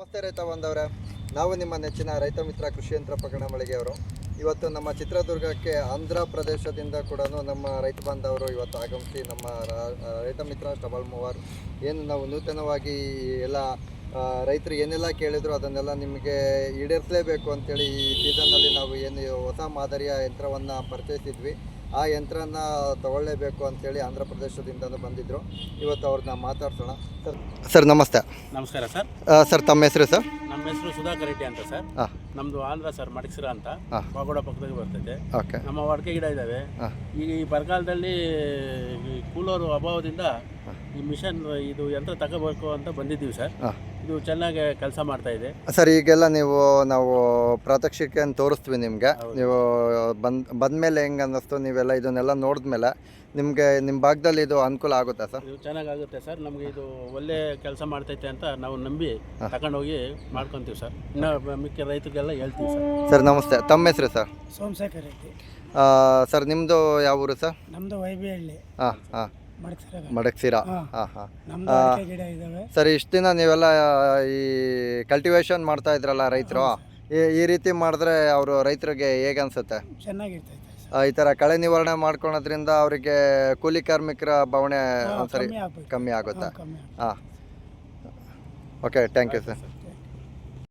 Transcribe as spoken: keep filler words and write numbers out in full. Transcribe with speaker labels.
Speaker 1: ನಮಸ್ತೆ ರೈತ ಬಾಂಧವರೇ, ನಾವು ನಿಮ್ಮ ನೆಚ್ಚಿನ ರೈತ ಮಿತ್ರ ಕೃಷಿ ಯಂತ್ರ ಪ್ರಕರಣ ಮಳಿಗೆಯವರು. ಇವತ್ತು ನಮ್ಮ ಚಿತ್ರದುರ್ಗಕ್ಕೆ ಆಂಧ್ರ ಪ್ರದೇಶದಿಂದ ಕೂಡ ನಮ್ಮ ರೈತ ಬಾಂಧವರು ಇವತ್ತು ಆಗಮಿಸಿ ನಮ್ಮ ರೈತ ಮಿತ್ರ ಸ್ಟಬಲ್ ಮೂವರ್ ಏನು ನಾವು ನೂತನವಾಗಿ ಎಲ್ಲ ರೈತರು ಏನೆಲ್ಲ ಕೇಳಿದ್ರು ಅದನ್ನೆಲ್ಲ ನಿಮಗೆ ಈಡೇರಿಸಲೇಬೇಕು ಅಂತೇಳಿ ಈ ಸೀಸನ್ನಲ್ಲಿ ನಾವು ಏನು ಹೊಸ ಮಾದರಿಯ ಯಂತ್ರವನ್ನು ಪರಿಚಯಿಸಿದ್ವಿ. ಆ ಯಂತ್ರನ ತಗೊಳ್ಳೇಬೇಕು ಅಂತೇಳಿ ಆಂಧ್ರ ಪ್ರದೇಶದಿಂದ ಬಂದಿದ್ದರು. ಇವತ್ತು ಅವ್ರನ್ನ ಮಾತಾಡ್ಸೋಣ. ಸರ್ ಸರ್ ನಮಸ್ತೆ.
Speaker 2: ನಮಸ್ಕಾರ ಸರ್.
Speaker 1: ಸರ್ ತಮ್ಮ ಹೆಸರು ಸರ್?
Speaker 2: ನಮ್ಮ ಹೆಸರು ಸುಧಾಕರ್ ರೆಡ್ಡಿ ಅಂತ ಸರ್. ನಮ್ಮದು ಆಂಧ್ರ ಸರ್, ಮಡಕ್ಸಿರ ಅಂತ ಪಾಗೋಡ ಪಕ್ಕದಲ್ಲಿ ಬರ್ತೈತೆ.
Speaker 1: ಓಕೆ.
Speaker 2: ನಮ್ಮ ಅಡಿಕೆ ಗಿಡ ಇದ್ದಾವೆ. ಈಗ ಈ ಬರಗಾಲದಲ್ಲಿ ಕೂಲರ್ ಅಭಾವದಿಂದ ಈ ಮಿಷನ್ ಇದು ಯಂತ್ರ ತಗೋಬೇಕು ಅಂತ ಬಂದಿದ್ದೀವಿ ಸರ್. ಇದು ಚೆನ್ನಾಗಿ ಕೆಲಸ ಮಾಡ್ತಾ ಇದೆ
Speaker 1: ಸರ್. ಈಗೆಲ್ಲ ನೀವು ನಾವು ಪ್ರಾತ್ಯಕ್ಷಿಕೆ ತೋರಿಸ್ತೀವಿ ನಿಮಗೆ. ನೀವು ಬಂದ್ ಬಂದಮೇಲೆ ಹೆಂಗೆ ಅನ್ನಿಸ್ತು? ನೀವೆಲ್ಲ ಇದನ್ನೆಲ್ಲ ನೋಡಿದ್ಮೇಲೆ ನಿಮಗೆ ನಿಮ್ಮ ಭಾಗದಲ್ಲಿ ಇದು ಅನುಕೂಲ ಆಗುತ್ತಾ ಸರ್?
Speaker 2: ಇದು ಚೆನ್ನಾಗಾಗುತ್ತೆ ಸರ್. ನಮಗೆ ಇದು ಒಳ್ಳೆ ಕೆಲಸ ಮಾಡ್ತೈತೆ ಅಂತ ನಾವು ನಂಬಿ ತಗೊಂಡೋಗಿ ಮಾಡ್ಕೊತೀವಿ ಸರ್. ಇನ್ನು ಮಿಕ್ಕ ರೈತರಿಗೆಲ್ಲ ಹೇಳ್ತೀವಿ ಸರ್.
Speaker 1: ಸರ್ ನಮಸ್ತೆ. ತಮ್ಮ ಹೆಸರು ಸರ್?
Speaker 3: ಸೋಮಶೇಖರ್ ರೆಡ್ಡಿ
Speaker 1: ಸರ್. ನಿಮ್ಮದು ಯಾವ ಊರು ಸರ್?
Speaker 3: ನಮ್ಮದು ವೈಬಿಹಳ್ಳಿ.
Speaker 1: ಹಾಂ ಹಾಂ ಮಡಕ್ಸಿರ. ಹಾಂ ಹಾಂ ಸರ್, ಇಷ್ಟು ದಿನ ನೀವೆಲ್ಲ ಈ ಕಲ್ಟಿವೇಶನ್ ಮಾಡ್ತಾ ಇದ್ರಲ್ಲ ರೈತರು, ಈ ರೀತಿ ಮಾಡಿದ್ರೆ ಅವರು ರೈತರಿಗೆ ಹೇಗೆ ಅನಿಸುತ್ತೆ?
Speaker 3: ಚೆನ್ನಾಗಿರ್ತೈತೆ.
Speaker 1: ಈ ಥರ ಕಳೆ ನಿವಾರಣೆ ಮಾಡ್ಕೊಳೋದ್ರಿಂದ ಅವರಿಗೆ ಕೂಲಿ ಕಾರ್ಮಿಕರ ಬವಣೆ ಒಂದ್ಸರಿ ಕಮ್ಮಿ ಆಗುತ್ತಾ? ಹಾಂ. Okay, thank you sir.